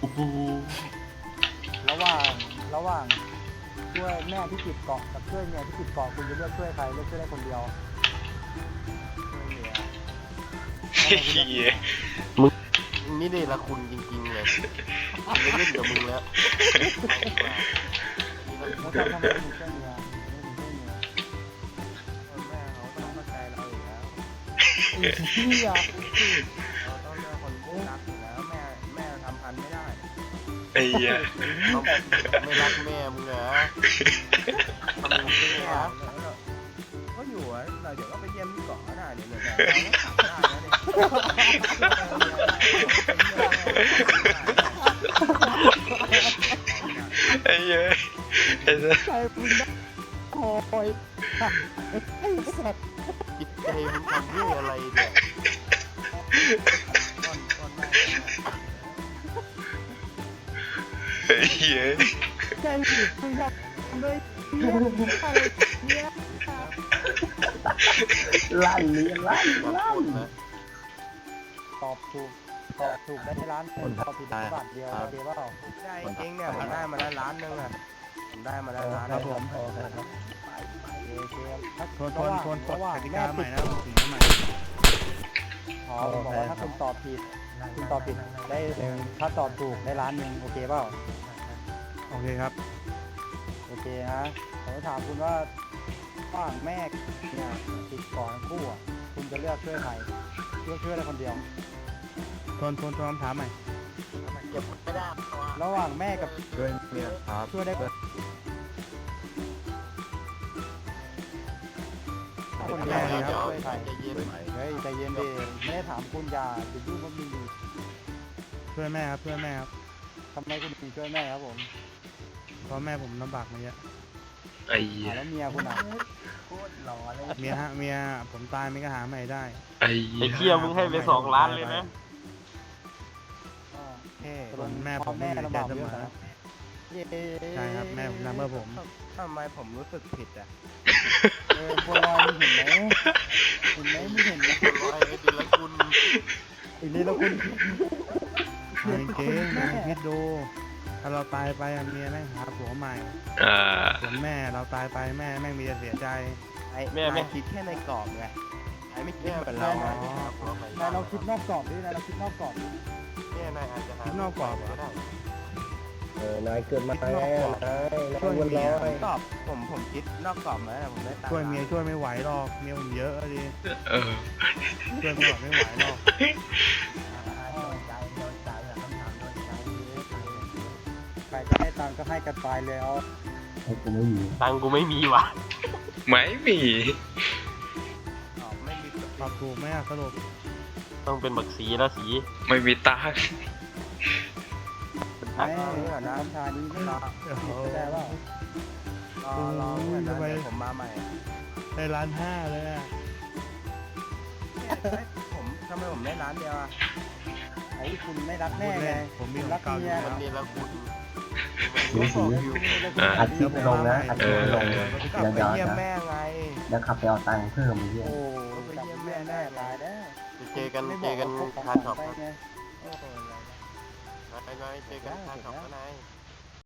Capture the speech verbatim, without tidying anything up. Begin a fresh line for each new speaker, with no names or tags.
โห
ระหว่างระหว่างช่วยแม่ที่ติดเกาะกับช่วยเมียที่ติดเกาะคุณจะเลือกช่วยใครเลือกช่วยได้คนเดียวช่วยเมีย
เฮีย
นี่นี่ละคุณจริงๆเลยไม่เล่นกับมึงแล้ว
แล้วทำทำไมถึงช่วยเมียไม่ถึงช่วยเมีย
แม่เขาต้องเข้าใจเราอยู่แล้ว
ไอ้เหี้ย
เราต้องเลือกคนที่รักอยู่แล้วแม่แม่ทำพันไม่ได้
ไอ้เหี้ย
เขาไม่รักแม่มึงเหรอทำไมไม่รักก็อยู่อ่ะเราเดี๋ยวก็ไปเยี่ยมที่เกาะก็ได้เนี่ยเราก็ขับได้นะเนี่ย
ไอ้เหี้ยไอ้สัส
ใครมึงได้โอยไอ้สัตว์
จิตใจมึงทำด้วยอะไรเนี่ยก้อนก้อนแม่
ไอ้เหี้ย
ใจมึงทำด้วยเหี้ยอะไรเนี่ย
ลั่นเลี้ยลั่น
ขอ
ลั่
โท
น
ษนะ
ตอบถูกตอบถูกได้ในร้านเป็นตอบผิดบาทเดียวโอเคเปล่า
ได้จริงเนี่ยผมได้มาแล้วล้านนึงอ่ะผมได้มาแล้วล้าน
ครับ
นึง
ผมโอเคครับโอเคครับ
ทวนทวนทวนกฎกติกาใหม่นะผมถึงใหม่
อ๋อผมบอกว่าถ้าคุณตอบผิดคุณตอบผิดได้ถ้าตอบถูกได้ล้านหนึ่งโอเคเปล่า
โอเคครับ
โอเคฮะผมจะถามคุณว่าระหว่างแม่เนี่ยติดก่อนคู่อ่ะคุณจะเลือกช่วยใครเลือกช่วยได้คนเดียว
ทวนทวนทวนคำถามใหม่
เก็บไม่ได้
ระหว่างแม่กับ
ด้วยเมียครับ
ช่วยได้คนเดียวนะช่วยใคร
ใจเย็น
เฮ้ยใจเย็นดิไม่ได้ถามคุณอย่าจะยุ่งกับมึงดิ
ช่วยแม่ครับช่วยแม่ครับ
ทำไมคุณถึงช่วยแม่ครับผม
เพราะแม่ผมลำบากมาเยอะ
ไอ้เหี้ย
อ่าแล้วเมียคุณอ่ะ
โคตรหล่อเลย
เมียฮะเมียผมตายไม่ก็หาใหม่ได้
ไอ้เหี้
ไอ้
ย
เคียมึงให้ไปสองล้านเลยนะ
เอ้คนแม่ผมไม่
แม่
มี
ลำ
ใจ
บาก
เส
เย
ม
อะ
อ
นะเย้
ใช่ครับแม่ผมทำเพื่อผม
ทำไมผมรู้สึกผิดอ่ะ
เออบัวลอยมึงเห็นไหมเห็นไหมมึงเห็นไหม
คนร้อยไอ้ดิละคุณ
อีนี้แล้วคุณ
เอาจริงๆนะคิดดูถ้าเราตายไปอะเมียแม่งหาผัวใหม่
อ่า
ส่วนแม่เราตายไปแม่แม่งมีแต่เสียใจ
ไอ้แม่ไม่คิดแค่ในกรอบไงไอ้ไม่คิดเหมือนเรา
อ๋อ
นายเราคิดนอกกรอบดินายเราคิดนอกกรอบดิ
แม่นายอาจจะหา
คิดนอกกรอบเหรอ
ก็ได้
เออนายเกิดมาแล้วนายนายวันร้อย
กรอบผมผมคิดนอกกรอบนะผมไม่ตาม
ช่วยเมียช่วยไม่ไหวหรอกเมียผมเยอะดิ
เออ
ช่วยไม่ไหวไม่ไหวหรอก
ใครจะให้ตังค์ก็ให้กันไปเลยเอา
ให้กูไม่มี
ตังกูไม่มีว่ะ
ไม่มี
ไม่มี
ตอบถูกไหมอะสรุป
ต้องเป็นบักสีแล้วสี
ไม่มีตังค์
แม่น้ำชานี้ไม่รอ
โอ้โห
ได้ว่า
รอรอเพื่อนนะเดี๋ยวผมมาใหม่
ได้ล้านห้าเลยอะ
ผมทำไมผมได้ร้านเดียวอ่ะ
ไอ้คุณไม่รัก
พู
แม่
ด
ไง
เล่นผมมี
คุณ
ข
รั
อก งเก่าอ
เมี
ยู่
ย
แล้
มัน
ว
นี่แล้วคุณ
สีสี
อ่า
อาทิตย์ลงนะอาทิตย์ลง
กลับ
เดี๋ยว
ไป
เดี๋ยว
เยี่ยม
เดี๋ยว
แม่ไง
เดี๋ยวขับไปเอาตังค์เพิ่มเยอะ
โอ้ไปเยี่ยมแม่ได้ตายแล้ว
เจอกัน
ไม่บ
เจ
อก
อกัน
ว่าพก
ทาน
ข
ช็
อ
อง ป
ไปไง
นายนายเจอกันทานช็อปนะนาย